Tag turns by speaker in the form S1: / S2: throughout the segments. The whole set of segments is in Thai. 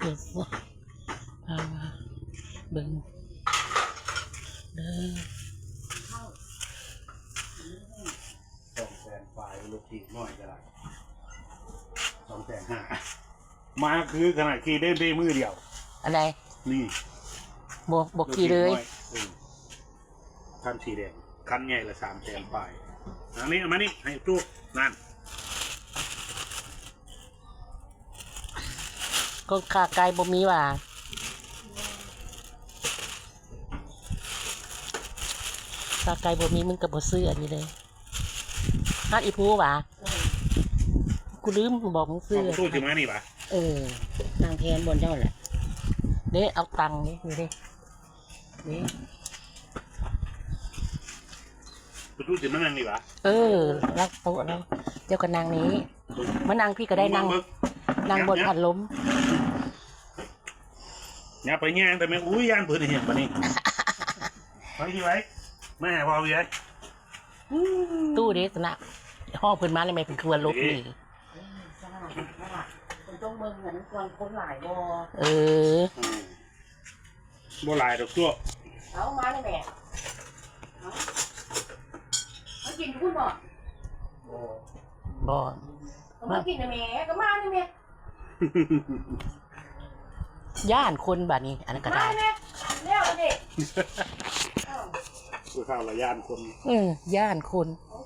S1: เดี๋ยวสิพามาเบิ่งเด้อ
S2: 200,000ฝ่ายลูกทีน้อยก็ได้250,000มาคือขนาดขี่ได้มือเดียว
S1: อะไร
S2: นี่
S1: บวกกี่เลย
S2: คันสีแดงคันใหญ่ละ300,000ฝ่ายอันนี้เอามานี่ให้จุ๊บนั่น
S1: ก็ขาไก่บ่มีว่าขาไก่บ่มีมึงกับบ่ซื้ออันนี้เลยฮัดอีพูว่ากูลืมบอกมึงซื้อ
S2: ตู้จิมานี่ปะ
S1: นางแทนบนเจ้าแหละเด้เอาตังค์นี่ดูดินี่
S2: ตู้จิมานั่งนี่ปะ
S1: รักโต๊ะแล้วเจ้ากับนางนี้มานางพี่ก็ได้นั่งบนพัดลม
S2: อย่าไปแย่งแต่แม่อุ้ยย่านเพื่อนเห็นปะนี่ไปที่ไว้แม่พอพี่ไว้
S1: ตู้เด็กนะห้องเพิ่นมาเลยไม่เป็นครัวลบนี่คนต้องเมืองเหมือนคนหลายบ่
S2: บ่หลายดอกตัว
S1: เอามาเลยแม่มากินทุกบ่มากินนะแม่ก็มาเลยแม่ย่านคนบ้านนี้อันนั้นก็ได้เร็วดิ
S2: คือข้าวละย่านคน
S1: ย่านคน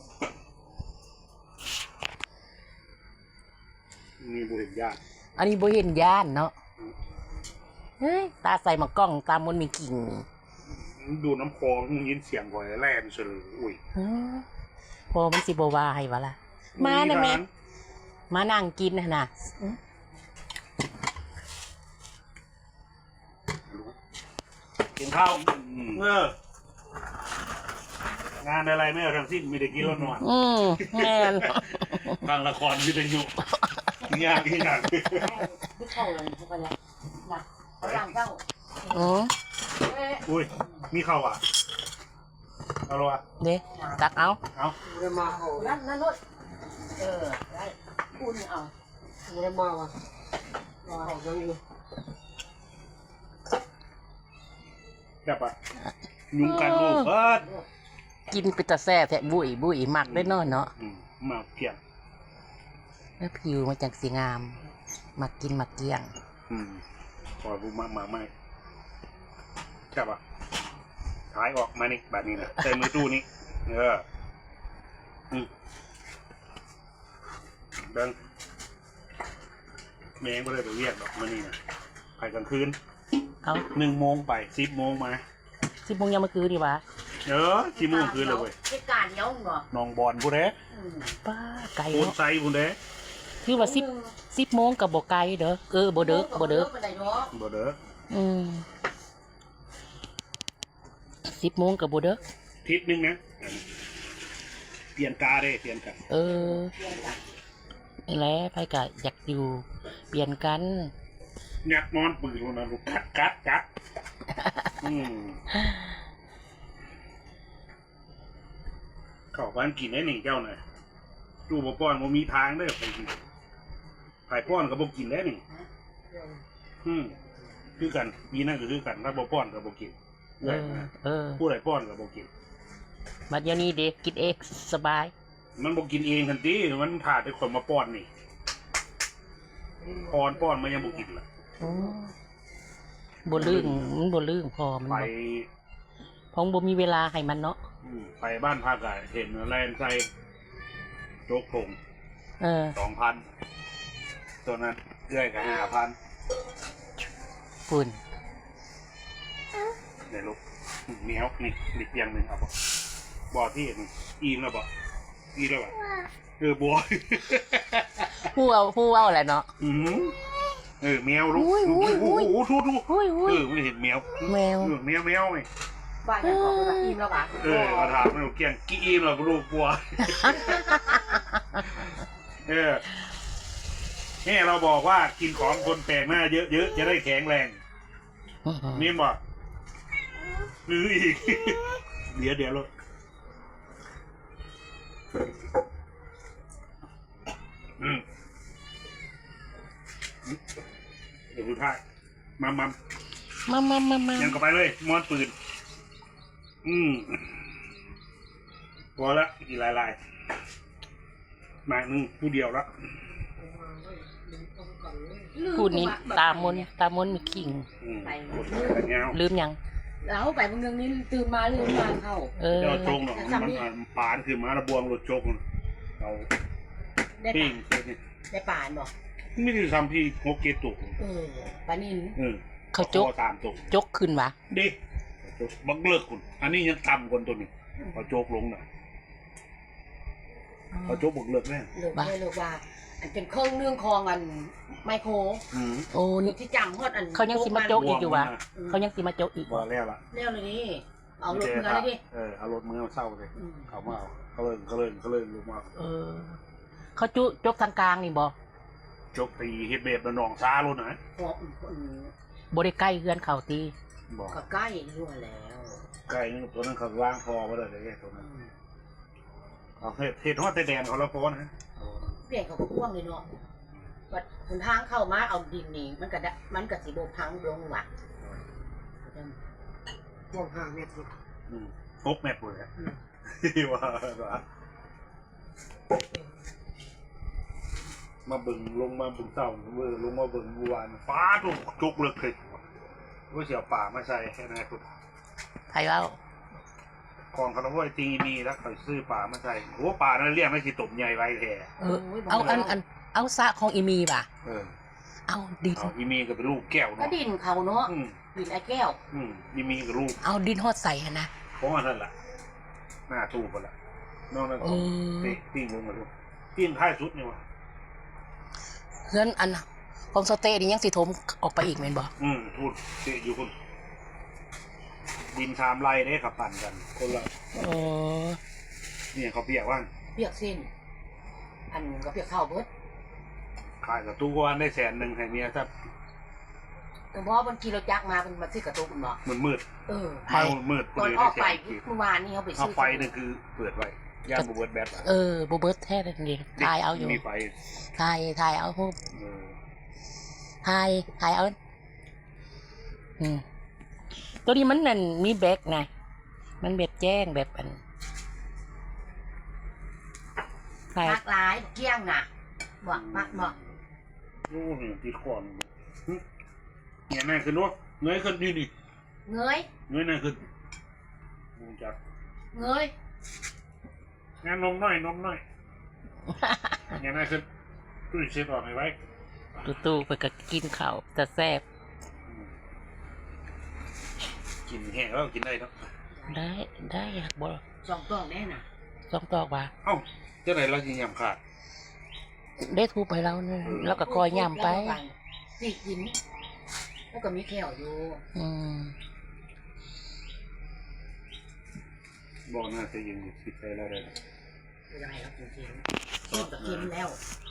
S2: มีบุเห็นย่าน
S1: อันนี้บ่เห็นย่านเนาะเฮ้ยตาใส่หมากกล้องตามมันมีกิ่ง
S2: ดูน้ำคลองยินเสียงก่อยแล่นเฉลยอุ้ย
S1: พอมันสิบ่ว่าให้วะล่ะมานะแม่มานั่งกินนะ
S2: กินข้าวงานอะไรไม่เอาทั้งสิ้นมีแต่กินแล้วนอน
S1: แม่น
S2: ทางละครมีแต่อยู่ยากที่หนัก
S1: เข้าเลยเข้าไปแล้วหนักหลังเข้า
S2: อุ้ยมีข้าวอ่ะเอาละ
S1: เด้ตักเอา
S2: ได้มาเขา
S1: นั่นรถได้คุณเอา
S2: ได้มาว่ะเขาจังอยู่แบบอ่ะยุ่งกันลูก
S1: กินไปแต่แซ่แทะบุยหมักได้นอนเนาะ
S2: หมักเกี่ยง
S1: แล้วผิวมาจากสีงามมากินมาเกี่ยง
S2: พอรู้มาไม่ใช่ปะท้ายออกมานี่แบบนี้นะใส่มือตู้นี้เดินแมงก็เลยไปเรียกดอกมานี่นะไปกลางคืน1 โมงไป10 โมงมา
S1: 10 โมงยังมาคืนดีวะ
S2: 10 โมงคืนเลยเว้ย
S1: เป็นการเย้าเหรอ
S2: น้องบอลผู้ใด
S1: ป้าไก่
S2: โอนไซผู้ใด
S1: คือว่า10 โมงกับบ่ไก่เด้อบ่เด้อ10 โมงกับบ่เด้อ
S2: ทิศนึงนะเปลี่ยนกาได้เปลี่ยนกัน
S1: นี่แหละไผก็อยากอยู่เปลี่ยนกัน
S2: อยากนอนปืนแล้วนะลูกกัดเข้าบ้านกินได้หนึ่งเจ้าหน่อยดูบ่ป้อนบ่มีทางได้ไปกินไผ่ป้อนกับบ่กินได้หนึ่งคือกันมีนั่นก็คือกันถ้าบ่ป้อนกับบ่กินผู้ใดป้อนกับบ่กิน
S1: บัดเดี๋ยวนี้เด็กกินเองสบาย
S2: มันบ่กินเองทันทีมันผ่าแต่คนมาป้อนนี่ป้อนมันยังบ่กินล่ะ
S1: บ่ลื่นมันบ่ลื่นพอมัน
S2: ไป
S1: พงบ่มีเวลาให้มันเนาะ
S2: ไปบ้านพักเห็นแลนใส่โจ๊กผง2,000ตัวนั้นเอื้อยกับ5,000
S1: ฝุ่น
S2: เดี๋ยวลูกเหนียวนี่เพียงหนึ่งเอาบ่ที่นี่อิ่มแล้วบ่อิ่มแล้วบ่บัว
S1: ผู้เอาอะไรเนาะ
S2: แมวลูกทูไม่เห็นแมวไงบ้านยังบอกว่าอิ่มแล้วป่ะมาถามไม่รู้เกี่ยงกี่อิ่มแล้วลูกบัวนี่เราบอกว่ากินของคนแปลกหน้าเยอะๆจะได้แข็งแรงนี่บอกหรืออีกเดี๋ยวลูกเดี๋ยวสุดท้ายมา ยังก็ไปเลยมอนปืนพอละกี่ลายหมากนึงผู้เดียวละ
S1: พูดนี้ตามนมีขิง
S3: ไป
S2: กดกันยาว
S1: ลืมยัง
S3: แล้วไปบางเรื่องนี้ตื่นมาลืมมาเข้า
S2: เจ้าโจงหรอกมันปานคือมาระบวงรถโจกเรา
S3: ได้
S2: ปิ้
S3: ป่าง ได้ป่านบอก
S2: ไม่ได้ทำพี่งกเกตุก
S3: ปานิน
S1: เขา
S2: ตามตุก
S1: จกขึ้นวะ
S2: ดิบักเลิกคุณอันนี้ยังต่ำคนตัวนี้พอโจกลงน่ะพอโจกบักเลิกแน่
S3: เลิกว่าอันเป็นเครื่องเรื่องคองอันไมโคร
S1: โอ้นี่
S3: ที่จำฮอดอัน
S1: เขายังสิมาจกอีกอยู่วะเขายังสิมาจกอีก
S2: ว่าแล้วล่ะ
S3: เร็วเลยดิเอารถเมือเลยดิ
S2: เอารถเมือเศร้าเลยเขามาเขาเลยลงมา
S1: เขาจกทางกลางนี่บ่
S2: จกตีเฮ็ดเบ็ดหนองซาโลดนะ
S1: บ่ได้ใกล้เฮือนเขาตี
S2: บอก
S3: ก็ใกล้รั่วแล้ว
S2: ไก่นึงตัวนั้นเขาว่างพอมาเลยตัวนั้นเขาเฮ็ดฮอดแต่แดนเขาแล้วพอนะ
S3: เปลี่ยนเขาก็พ่วงเลยเนาะวัดหนทางเข้ามาเอาดินนี่มันก็สิโดนพังลงว่ะพ่วง5 เมตร
S2: 6 เมตรเลยว่ามาบึงลงมาบึงเศร้าลงมาบึงบัวานฟ้าถูกจุกเลิกเลยว่าเสียป่ามาใส่แค่ไหนคุณ
S1: ไทยเอา
S2: กองคาร์บอยตีมีแล้วเขาซื้อป่ามาใส่โอ้ป่านั่นเรียกไม่สิตบใหญ่ไว้แท้
S1: เอาสระของอีมีป่ะ เอาดิน
S2: อีมีกับลูกแก้ว
S3: ก็
S2: เนาะ
S3: ดินเขาเนาะดินไอ้แก้ว
S2: อีมีกับลูก
S1: เอาดินฮอดใส่นะ
S2: เพราะว่านั่นแหละหน้าตู้ไปละนอกนั้นตีลงมาดูตีนท้ายสุดนี่วะ
S1: เฮือนอันของสเตย์นี่ยังสิถมออกไปอีกแม่นบ่
S2: พูดเตะอยู่คนดินชามไร่ได้ขับปั่นกันคนละเนี่ยเขาเปียกว่าง
S3: เปียกสิ้นอันก็เปียกข้าวเบิด
S2: ขายกับตู้วันได้100,000ให้เมียถ้า
S3: แต่พอมันขี่รถจักรมามันมาซื้อกระตุกเนาะ
S2: มืด มืด
S3: ตอนออกไปเมื่อวานนี้เขาไปซื้
S2: ไฟนี่คือเปิดไว้ย่างบูเบิร์ดแบท
S1: บ่เบิดแท้นั่นเองทายเอาอยู่
S2: มีไฟ
S1: ทายเอาฮู้ทายเอาตัวนี้มันนั่นมีแบกนะมันแบบแจ้งแบบอัน
S3: มักหลายเกี้ยงน่ะบอกมักบอก
S2: โอ้โหติดคอนเนี่ยนั่นคือนู้เงยขึ้นนี่
S3: เงย
S2: นั่นขึ้นมุงจับ
S3: เงย
S2: งานนมน้อยเนี่ยนั่นขึ้นตู้เช็ดออกไว้
S1: ตู้ไปก็กินข้าวแต่แซ่บ
S2: กินแห้งแล้วกินได้เนาะ
S1: ได้อยากบ่
S3: 2 ต้องแน่น่ะ
S1: 2ตอกว่า
S2: เอ้าเจ้าไหนเราสิยำขาด
S1: ได้ทูไปแล้วเนี่ยแล้วก็คอยย่ำไป
S3: สิกินแล้วก็มีแขวอยู่
S2: บอกน่าจะยิงคิดไปแล้วได้
S3: ไม่ได้แล้วกินเริ่มจะกินแล้ว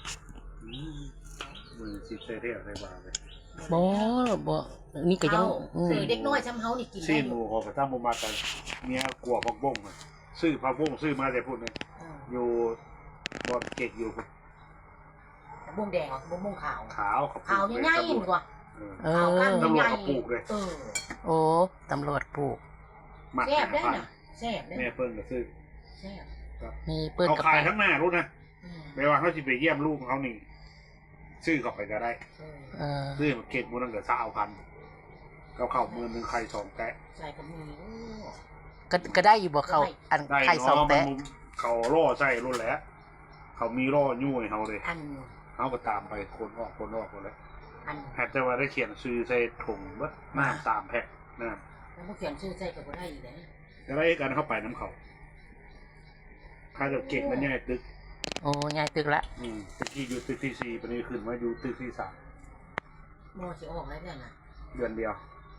S2: มึงคิดไปเรียกอะไรบ้างเลย
S1: บ่นี่ก็ยัง
S3: ซื้อเด็กน้อยช้ำเฮานี่กิน
S2: ซี
S3: ได้
S2: นหมูขอกระทั่งมากันเมียกลัวผักบ้งซื้อผักบ้งซื้อมาแต่พูดเลยอยู่บอลเก็กอยู่
S3: บุ้งแดงบุ้งขาว
S2: ขาว
S3: ขาวง่ายๆดีกว่า
S2: ตำรวจเขาปลูกเลย
S1: โอ้ตำรวจปลูก
S3: แซ่บได้น่ะแซ่บได้
S2: แม่เปิ้ลก็ซื้อ
S3: แซ่บ
S1: มีเปิ้ล
S2: เขา
S1: กับ
S2: ขาย
S1: ไป
S2: ทั้งหน้ารู้นะไม่ว่าเขาจะไปเยี่ยมลูกเขานี่ซื้อเข้าไปก็ได้ซื้อมาเก็บมูลเกิด20,000เขาเข้า1,000ไข่2 แตะ
S3: ใส่กับมี
S1: ก็ได้อยู่บ่เขาอันไข่2 แตะ
S2: เขาล่อใส่รุ่นแล้วเขามีล่อยุ่ยเขาเลย
S3: อัน
S2: เขาก็ตามไปคนออกหมดเลย
S3: อัน
S2: แฮตแต่ว่าได้เขียนซื้อใส่ถุงวัดน้ำ3 แพ็คนะ
S3: แล้วพวกเขียนชื่อใส่กับได้อีกนะ
S2: จะได้กันเข้าไปน้ำเขาถ้าจะเก่งมันง่ายตึก
S1: โอ้ยายตึกละ
S2: ตึกที่อยู่ตึกที่4ปีนี้ขึ้นมาอยู่ตึกที่3
S3: มอสิออกแล้วเนี่ยนะ
S2: เดือนเดียว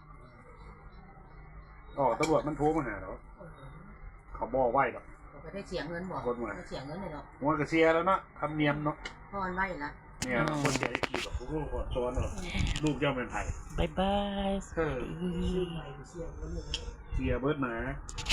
S2: ตำรวจมันโทรมาหาเราเขาบอกไหวหรอก
S3: ก็ได้เสียเงินบอกได้เสียเงินเลยเนาะ
S2: มันก็เสียแล้วเนาะทำเนียมเนาะ
S3: พอนไว้ละ
S2: เนี่ยคนเสียได้กี่แบบลูกคนซ้อนเนาะลูกเจ้าเป็นไทย
S1: บ๊ายบาย
S2: เสียเบิร์ดหมา
S3: เ